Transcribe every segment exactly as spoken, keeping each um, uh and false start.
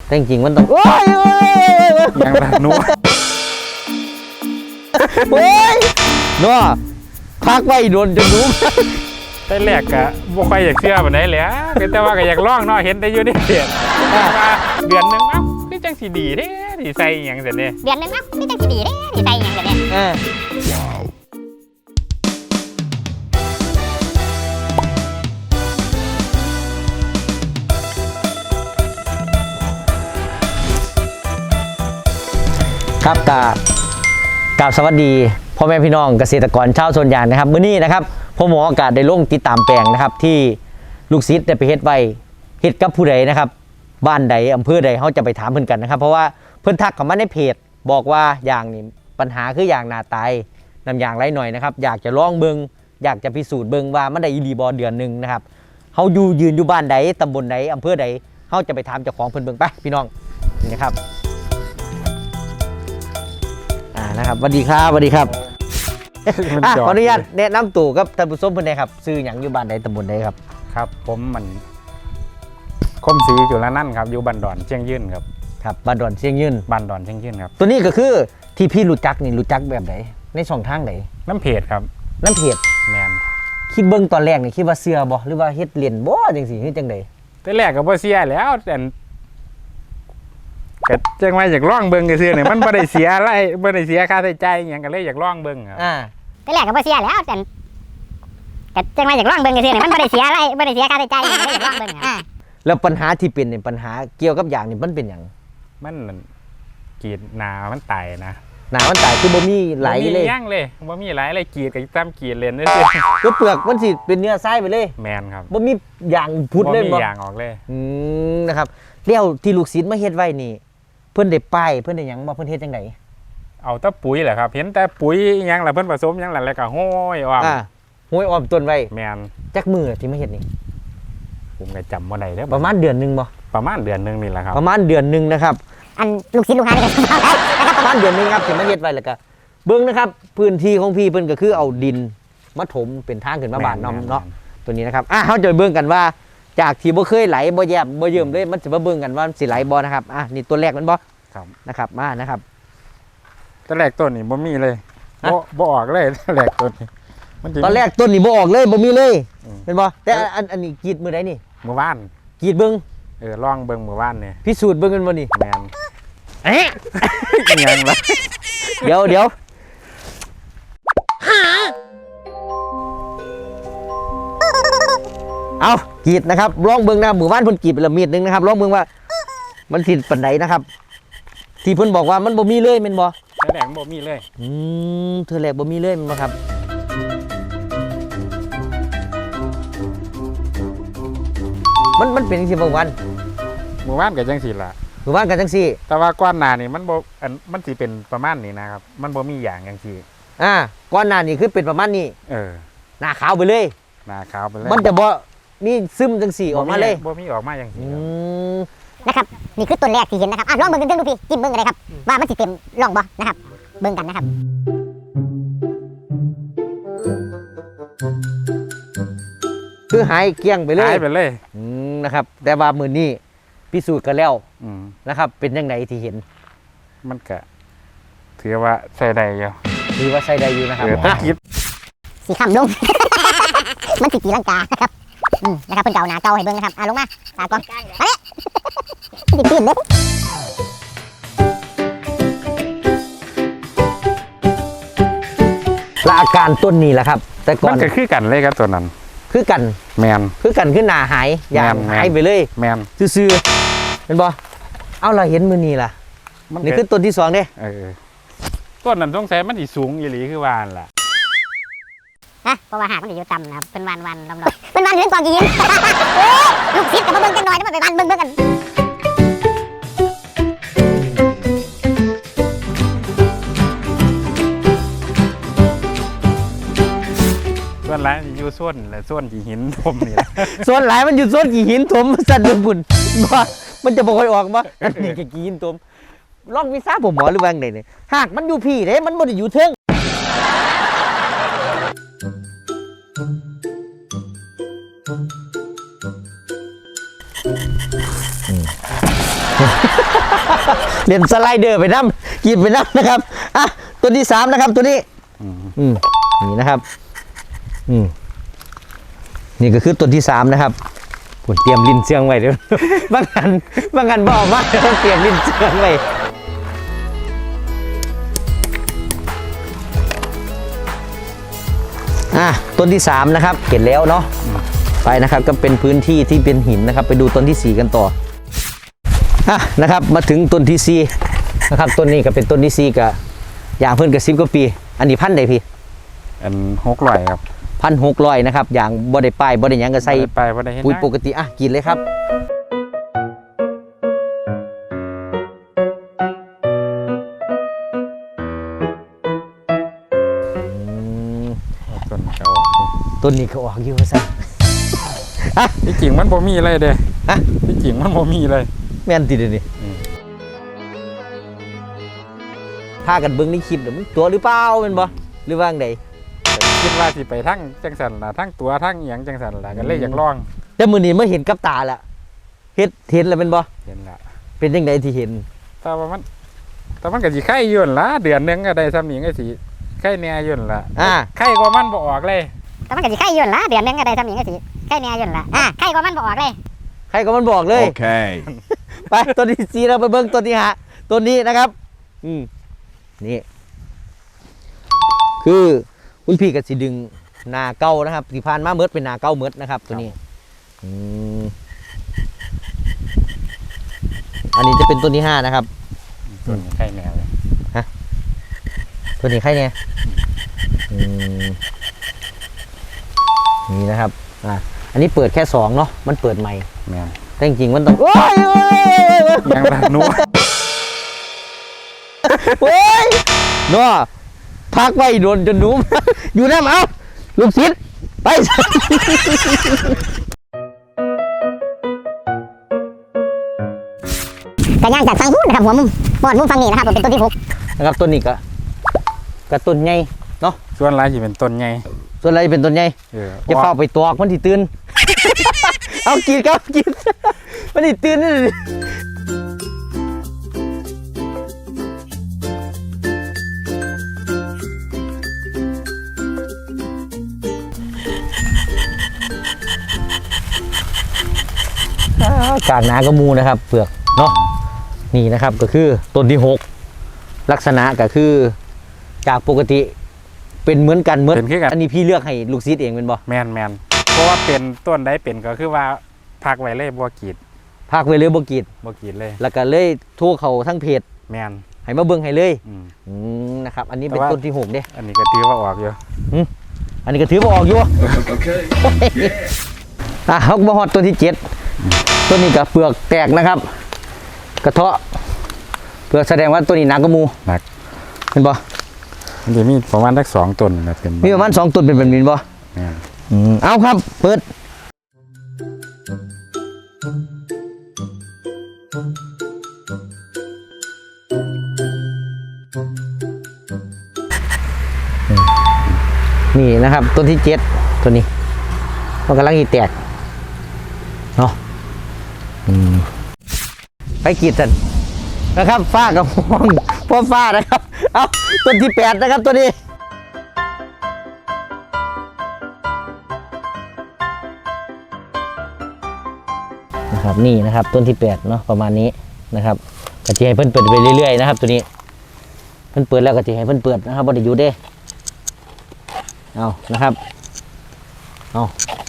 แต่จริงๆมันต้องโอ้ยยังแบบนัวโอ้ยนัวพักไว้โดนจนรู้แต่แรกก็บ่ค่อยอยากเชื่อปานใดแหละแต่ว่าก็อยากลองเนาะเห็นได้อยู่ในเพจว่าเดือนนึงเอ้าคือจังสิดีเด้สิใส่หยังซั่นเด้เดือนนึงเอ้าคือจังสิดีเด้สิใส่หยังซั่นเด้เออครับกากราบสวัสดีพ่อแม่พี่น้องเกษตรกรชาวสวนยางนะครับมื้อนี้นะครับผมหมออากาศได้ลงติดตามแปลงนะครับที่ลูกศิษย์ได้ไปเฮ็ดไว้เฮ็ดกับผู้ใดนะครับบ้านใดอำเภอใดเขาจะไปถามเพิ่นกันนะครับเพราะว่าเพิ่นทักเข้ามาในเพจบอกว่าอย่างนี้ปัญหาคืออย่างหน้าตายน้ำยางไหลหน่อยนะครับอยากจะลองเบิ่งอยากจะพิสูจน์เบิ่งว่ามันได้อีหลีบ่เดือนนึงนะครับเฮาอยู่ยืนอยู่บ้านใดตำบลใดอำเภอใดเฮาจะไปถามเจ้าของเพิ่นเบิ่งไปพี่น้องนี่นะครับนะครับสวัสดีครับสวัสดีครับขออนุญาตแนะนำตัวกับท่านผู้ชมเพื่อนได้ครับซื้อหยังอยู่บ้านใดตำบลใดครับครับผมมันคมศรีจุลนันท์ครับอยู่บ้านดอนเชียงยืนครับครับบ้านดอนเชียงยืนบ้านดอนเชียงยืนครับตัวนี้ก็คือที่พี่รู้จักนี่รู้จักแบบไหนในช่องทางไหนน้ำเพจครับน้ำเพจแมนคิดเบิ้งตอนแรกนี่คิดว่าเสื้อบ่หรือว่าเฮ็ดเรียนบ่จังซี่คือจังได๋แต่แรกก็บ่เสียแล้วแต่ก็จังว่าอยากลองเบิ่งซื่อๆนี่มันบ่ได้เสียอะไรบ่ได้เสียค่าใช้จ่ายหยังก็เลยอยากลองเบิ่งครับอ่าแต่แรกก็บ่เสียแล้วแต่ก็จังว่าอยากลองเบิ่งซื่อๆนี่มันบ่ได้เสียอะไรบ่ได้เสียค่าใช้จ่ายหยังก็เลยอยากลองเบิ่งอ่าแล้วปัญหาที่เป็นนี่ปัญหาเกี่ยวกับอย่างนี่มันเป็นหยังมันกรีดหนามันตายนะหนามันตายคือบ่มีไหลเลยบ่มีหยังเลยบ่มีไหลเลยกรีดก็ตามกรีดเล่นซื่อๆก็เปลือกมันสิเป็นเนื้อทรายไปเลยแม่นครับบ่มีอย่างพุดเลยบ่มีอย่างออกเลยอืมนะครับแล้วที่ลูกศิษย์มาเฮ็ดไว้นี่เพิ่นได้ป้ายเพิ่นได้หยังบ่เพิ่นเฮ็ดจังได๋เอาแต่ปุ๋ยแหละครับเห็นแต่ปุ๋ยหยังล่ะเพิ่นผสมหยังล่ะแล้วก็ห้อยอ้อมอ่าห้อยอ้อมต้นไว้แม่นจักมื้อที่มาเฮ็ดนี่ผมก็จำบ่ได้เด้อประมาณเดือนนึงบ่ประมาณเดือนนึงนี่แหละครับประมาณเดือนนึงนะครับอันลูกศิษย์ลูกหานี่ก็ประมาณเดือนนึงครับที่มาเฮ็ดไว้แล้วก็เบิ่งนะครับพื้นที่ของพี่เพิ่นก็คือเอาดินมาถมเป็นทางขึ้นมาบ้านน้อมเนาะตัวนี้นะครับอ่ะเฮาจะเบิ่งกันว่าจากที่บ่เคยไหลบ่แยบบ่เยิ่มเลยมันสิมาเบิ่งกันว่าสิไหลบ่นะครับอ่ะนี่ตัวแรกมันบ่ครับนะครับมานะครับตอนแรกต้นนี่บ่มีเลยบ่บ่ออกเลยตอนแรกต้นนี่มันตอนแรกต้นนี่บ่ออกเลยบ่มีเลยเห็นบ่แต่อันอันนี้กรีดมื้อใดนี่มื้อวานกรีดเบิ่งเออลองเบิ่งมื้อวานนี่พิสูจน์เบิ่งกันบ่นี่แม่นเอ๊ะยังล่ะเดี๋ยวเดี๋ยวเอากรีดนะครับลองเบิ่งนะมื้อวานเพิ่นกรีดไปละมีดนึงนะครับลองเบิ่งว่ามันสิปานใดนะครับที่เพิ่นบอกว่ามันบ่มีเลยแม่นบ่แต่แรกบ่มีเลยอืมเธอแรกบ่มีเลยแม่นบ่ครับมันมันเป็นจังซี่บ่วันมื้อวานก็จังซี่ล่ะมื้อวานก็จังซี่แต่ว่าก่อนหน้านี่มันบ่อันมันสิเป็นประมาณนี้นะครับมันบ่มีอย่างจังซี่อ่าก่อนหน้านี้คือเป็นประมาณนี้เออหน้าขาวไปเลยหน้าขาวไปเลยมันจะบ่มีซึมจังซี่ออกมาเลยบ่มีออกมาจังซี่อืมนะครับนี่คือต้นแรกที่เห็นนะครับอ่ะลองเบิ่งกันดูพี่จิ้มเบิ่งกันเลยครับว่ามันสิเต็มร่องบ่นะครับเบิ่งกันนะครับคือหายเกลี้ยงไปเลยหายไปเลยอืมนะครับแต่ว่ามื้อนี้พิสูจน์กันแล้วอืมนะครับเป็นจังไดที่เห็นมันก็ถือว่าใช้ได้อยู่ถือว่าใช้ได้อยู่นะครับสีคำลง มันสิตีลังกานะครับอืมนะครับเพิ่นเก่าหน้าเก่าให้เบิ่งนะครับอ่ะลงมาตากล้องเอ๊ะดิปีนเด้และอาการต้นนี้แหละครับแต่ก่อนมันก็คือกันเลยครับตัวนั้นคือกันแมนคือกันขึ้นหน้าหายอย่างหายไปเลยแมนซื่อๆเป็นบ่เอาเราเห็นมือนี้ล่ะนี่คือต้นที่สองเด้เออต้นนั้นต้องใช้มันสิสูงอีหลีคือวานล่ะฮะเพราะว่าหากมันอยู่ต่ำนะครับเป็นวันวันลำดอกเป็นวันเรื่องกองกินลูกศิษย์กับมาเบิ่งกันหน่อยแล้วมันไปวันเบิ่งเบิ่งกันส่วนหลายอยู่ส่วนแหละส่วนกี่หินถมนี่แหละส่วนหลายมันอยู่ส่วนกี่หินถมสั่นบุญบ่มันจะบ่ค่อยออกบ่นี่กี่หินถมลองวิซ่าผมหมอหรือว่าไงเนี่ยหากมันอยู่พี่เด้มันบ่ได้อยู่เทิงเล่นสไลเดอร์ไปน้ำกินไปน้ำนะครับอ่ะตัวที่สามนะครับตัวนี้อืมอืมนี่นะครับอืมนี่ก็คือตัวที่สามนะครับผมเตรียมลิ้นเชืองไว้เดี๋ยว บางอันบางอันบอกมาต้องเตรียมลิ้นเชืองไว้อ่ะต้นที่สามนะครับเห็นแล้วเนาะไปนะครับก็เป็นพื้นที่ที่เป็นหินนะครับไปดูต้นที่สี่กันต่ออ่ะนะครับมาถึงต้นที่สี่นะครับต้นนี้ก็เป็นต้นที่สี่กับอย่างเพิ่นกับสิบกว่าปีอันนี้พันธุ์ใดพี่อันหกร้อยครับพันหกร้อยนะครับอย่างบ่ได้ป้ายบ่ได้หยังก็ใส่บ่ได้ไปบ่ได้เฮ็ดปุ๋ยนะปกติอ่ะกินเลยครับอืมต้นก็ออกต้นนี้ก็ออกอยู่ว่าซั่นอ่ะที่จริงมันบ่มีอะไรเด้อ่ะที่จริงมันบ่มีเลยแม่นติเดี๋ยวนี้อืมพากันเบิ่งในคลิปเดี๋ยวมันตัวหรือเปล่าแม่นบ่หรือว่าจังไดคิดว่าสิไปทั้งจังสันล่ะทั้งตัวทั้งเอียงจังสันล่ะก็เลยอยากลองแต่มื้อนี้มาเห็นกับตาละเฮ็ดเห็นแล้วแม่นบ่เห็นละเป็นจังไดที่เห็นแต่ว่ามันแต่มันก็สิไข่อยู่นั่นล่ะเดือนหนึงก็ได้ซ้ำนี้ก็สิไข่แหน่อยู่นั่นล่ะอ่าไข่กว่ามันบ่ออกเลยแต่มันก็สิไข่ยืนละเดือนหนึงก็ได้ทำอย่างนี้สิไข่แน่ยืนละอ่ะไข่ก็มันบ่ออกเลยใครก็มันบอกเลย Okay. ไปตัวที่สี่เราไปเบิ้งตัวที่หาตัวนี้นะครับ อืมนี่ คือคุณพี่กับสิดึงนาเก้านะครับที่ผ่านมาเมิดเป็นนาเก้าเมิดนะครับ ตัวนี้อืมอันนี้จะเป็นต้นที่ห้านะครับส่วนไข่แหน่เลยตัวนี้ใครเนี่ยอืมนี่นะครับอ่ะอันนี้เปิดแค่สองเนาะมันเปิดใหม่แม่นแต่จริงๆมันต้องโอ้ยโอ้ยยังละหนูโอ้ยเนาะพักไว้โดนจนหนุ่ม อยู่น้ำเอาลูกศิษย์ไปกระย่างจากฟังหุ้นนะครับหัวมุมบอดมุมฟังนี่นะครับผมเป็นต้นที่หกนะครับต้นนี้ก็กระต้นใหญ่เนาะส่วนหลายสิเป็นต้นใหญ่ส่วนอะไรเป็นต้นใหญ่เออจะเข้าไปตอกมันที่ตื่น เอากินครับกิน มันที่ตื่นนี่ดิอ่ากากหนากระมูนะครับเปลือกเนาะนี่นะครับก็คือต้นที่หกลักษณะก็คือจากปกติเป็นเหมือนกันเหมือนเป็นคือกันอันนี้พี่เลือกให้ลูกศิษย์เองเป็นบ่แม่นแม่นเพราะว่าเป็นต้นใดเป็นก็คือว่าพักไว้เลยบ่กรีดภาคไว้เลยบ่กรีดบ่กรีดเลยแล้วก็เลยโทั่วเขาทั้งเพจแม่นให้มาเบิ่งให้เลยอืมอืมนะครับอันนี้เป็นแต่ว่าต้นที่หกเด้อันนี้ก็ถือว่าออกอยู่อันนี้ก็ถือว่าออกอยู่ Okay. อ่ะเขาก็มาฮอดต้นที่เจ็ดต้นนี้ก็เปลือกแตกนะครับ กระเทาะเปลือกแสดงว่าต้นนี้หนักกว่าหมูหนักเห็นบ่มันจะมีประมาณสักสองต้นนะเป็นมีประมาณสองต้นเป็นแบบนี้บ่แม่นอืมเอาครับ เปิดนี่นะครับต้นที่เจ็ดตัวนี้มันกำลังอีแตกเนาะอืมไปกรีดกันนะครับฟ้ากับห้องพ่อฟ้านะครับเอาต้นที่แปดนะครับตัวนี้นะครับนี่นะครับต้นที่แปดเนาะประมาณนี้นะครับก็จะให้เพิ่นเปิดไปเรื่อยๆนะครับ ตัวนี้เพิ่นเปิดแล้วก็จะให้เพิ่นเปิดนะครับบ่ได้อยู่เด้เอานะครับเอา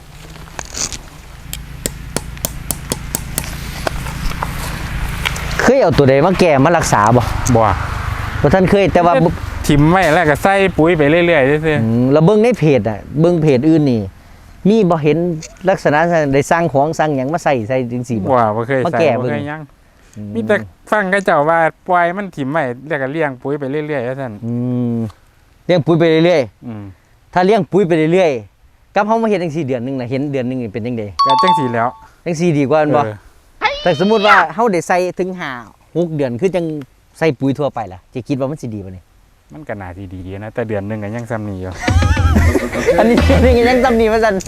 เคยเอาตัวใดมาแก่มารักษาบ่บ่บ่ท่านเคยแต่ว่าบ่ถิ่มไว้แล้วก็ใส่ปุ๋ยไปเรื่อยๆซื่ออืมเราเบิ่งในเพจอ่ะเบิ่งเพจอื่นนี่ มีบ่เห็นลักษณะได้สร้างของสร้างหยังมาใส่ใส่จังซี่ๆบ่บ่บ่เคยมาใส่แก้บ่เบิ่งเคยหยังมีแต่ฟังเขาเจ้าว่าปล่อยมันถิ่มไว้แล้วก็เลี้ยงปุ๋ยไปเรื่อยๆว่าซั่นอืมเลี้ยงปุ๋ยไปเรื่อยอืมๆถ้าเลี้ยงปุ๋ยไปเรื่อยๆกับเฮามาเฮ็ดจังซี่เดือนหนึงน่ะเห็นเดือนหนึงนี่เป็นจังได๋ก็จังซี่แล้วจังซี่ดีกว่าแม่นบ่เออแต่สมมุติว่าเฮาได้ใส่ถึงห้า หกเดือนคือจังใส่ปุ๋ยทั่วไปล่ะจะคิดว่ามันสิดีบ่นี่มันก็น่าสิดีๆนะแต่เดือนหนึงก็ยังซ้ำนี้อยู่อันนี้นี่ยังจำนี่ว่าซั่น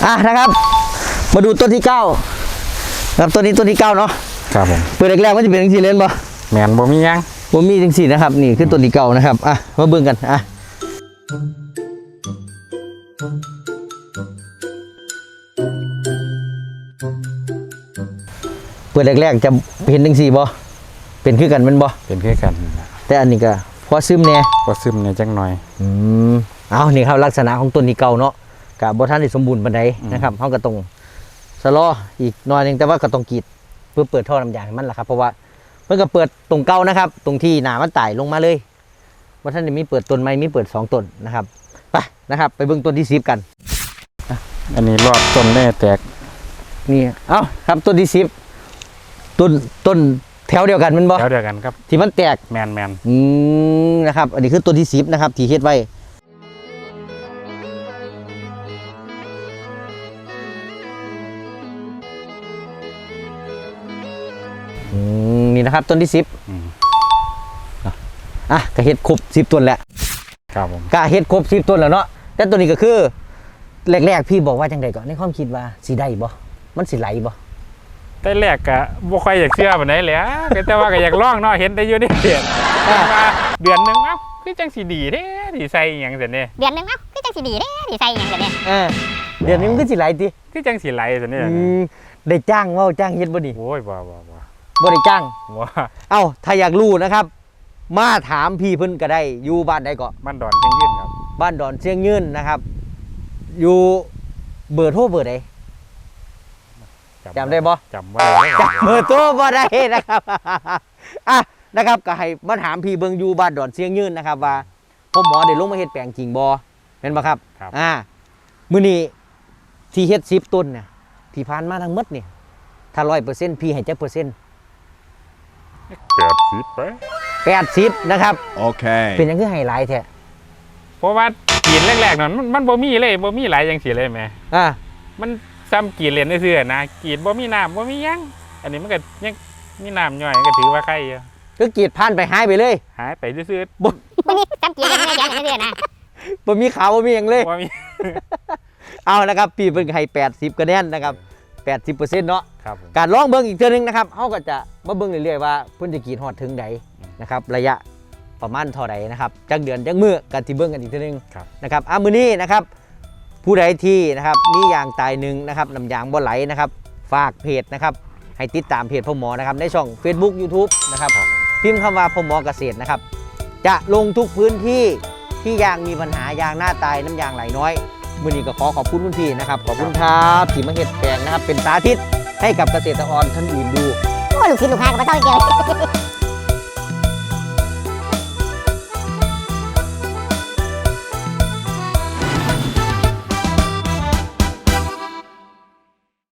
อ่ะนะครับ มาดูต้นที่เก้าครับต้นนี้ต้นที่เก้าเนาะครับผมเปิดแรกๆมันจะเป็นจังซี่เล่นบ่แมนบ่มีหยังบ่มีจังซี่นะครับนี่คือต้นที่เก้านะครับอ่ะมาเบิ่งกันอ่ะเปิดแรกๆจะเห็นจังซี่บ่เป็นคือกันแม่นบ่เป็นคือกันแต่อันนี้ก็พอซึมแน่ก็ซึมเนี่ยจังหน่อยอืมเอานี่ครับลักษณะของต้นที่เก่าเนาะกับบ่ทันได้สมบูรณ์ปานใดนะครับเฮาก็ต้องสะลออีกหน่อยหนึงแต่ว่าก็ต้องกรีดเพื่อเปิดท่อน้ำยางให้มันล่ะครับเพราะว่ามันก็เปิดตรงเก่านะครับ ตรงที่หนามันไต่ลงมาเลยบ่ทันได้มีเปิดต้นใหม่มีเปิดสองต้นนะครับไปนะครับไปเบิ่งต้นที่สิบกันอันนี้รอดต้นแน่แตกนี่เอ้าครับต้นที่สิบต้นต้นแถวเดียวกันแมันบ่แล้วเดียวกันครับที่มันแตกแมนแมนอืมนะครับอันนี้คือต้นที่สิบนะครับที่เฮ็ดไว้อืมนี่นะครับต้นที่สิบอืมอ่ะก็เฮ็ดครบสิบต้นแล้วครับผมก็เฮ็ดครบสิบต้นแล้วเนาะแต่ตัวนี้ก็คือแรกๆพี่บอกว่าจังไดก่อนในความคิดว่าสิได้บ่มันสิไหลบ่แต่แรกก็บ่ค่อยอยากเชื่อปานใดแหล้วแต่ว่าก็อยากลองเนาะเห็นได้อยู่ในเพจว่าเดือนหนึงเอ้าคือจังสิดีเด้สิใส่อิหยังซั่นเด้เดือนหนึงเอ้าคือจังสิดีเด้ดีใส่หยังกันเนี่ยเออเดี๋ยวนี้มันก็สิไหลติคือจังสิไหลซั่นเด้อืมได้จ้างเว้าจ้างเฮ็ดบ่นี่โอ้ยบ่บ่บ่บ่ได้จ้างบ่เอ้าถ้าอยากรู้นะครับ มาถามพี่เพิ่นก็ได้อยู่บ้านใดก็มันดอนจังยื่นครับบ้านดอนเชียงยืนนะครับ อยู่เบอร์โทรเบอร์ใด จำได้บ่จำบ่ได้จับเบอร์โทรบ่ได้นะครับ อ่ะนะครับก็ให้มาถามพี่เบิงอยู่บ้านดอนเชียงยืนนะครับ ว่าพ่อหมอได้ลงมาเฮ็ดแปลงจริงบ่แม่นบ่ครับครับอ่ามื้อนี้ที่เฮ็ดสิบต้นเนี่ยที่ผ่านมาทั้งหมดเนี่ยถ้าร้อยเปอร์เซ็นต์พี่ให้จักเปอร์เซ็นต์แปดสิบไปแปดสิบนะครับ Okay. เป็นหยังคือให้หลายแท้เพราะว่ากินแรกๆนั่นมันมันบ่มีเลยบ่มีหลายจังซี่เลยแหมอ่ามันซ้ำกีดเหรียญซื่อๆนะกีดบ่มีน้ำบ่มีหยังอันนี้มันก็ยังมีน้ำย่อยก็ถือว่าใครอยู่คือกรีดผ่านไปหายไปเลยหายไปซื่อวันนี้จำกี่เดือนไม่ได้แค่เดือนนะบ่มีขาวบ่มีหยังเลยๆบ่มีเอานะครับพี่เพิ่นให้แปดสิบคะแนนนะครับแปดสิบเปอร์เซ็นต์เนาะครับผมการลองเบิ่งอีกเทื่อนึงนะครับเฮาก็จะมาเบิ่งเรื่อยๆว่าเพิ่นจะกรีดฮอดถึงใดนะครับระยะประมาณเท่าใดนะครับจักเดือนจักมื้อก็สิเบิ่งกันอีกเทื่อนึงครับนะครับอ่ะมื้อนี้นะครับผู้ใดที่นะครับมียางตายหนึ่งนะครับน้ำยางบ่ไหลนะครับฝากเพจนะครับให้ติดตามเพจพ่อหมอนะครับในช่อง Facebook YouTube นะครับพิมพ์คำว่าพ่อหมอเกษตรนะครับจะลงทุกพื้นที่ที่ยางมีปัญหายางหน้าตายน้ำยางไหลน้อยมื้อนี้ก็ขอขอบคุณคุณพี่นะครับขอบคุณครับที่มาเฮ็ดแปลงนะครับเป็นสาธิตให้กับเกษตรกรท่านอื่นดูโอ้ลูกศิษย์ลูกหากับพระเจ้าเดียว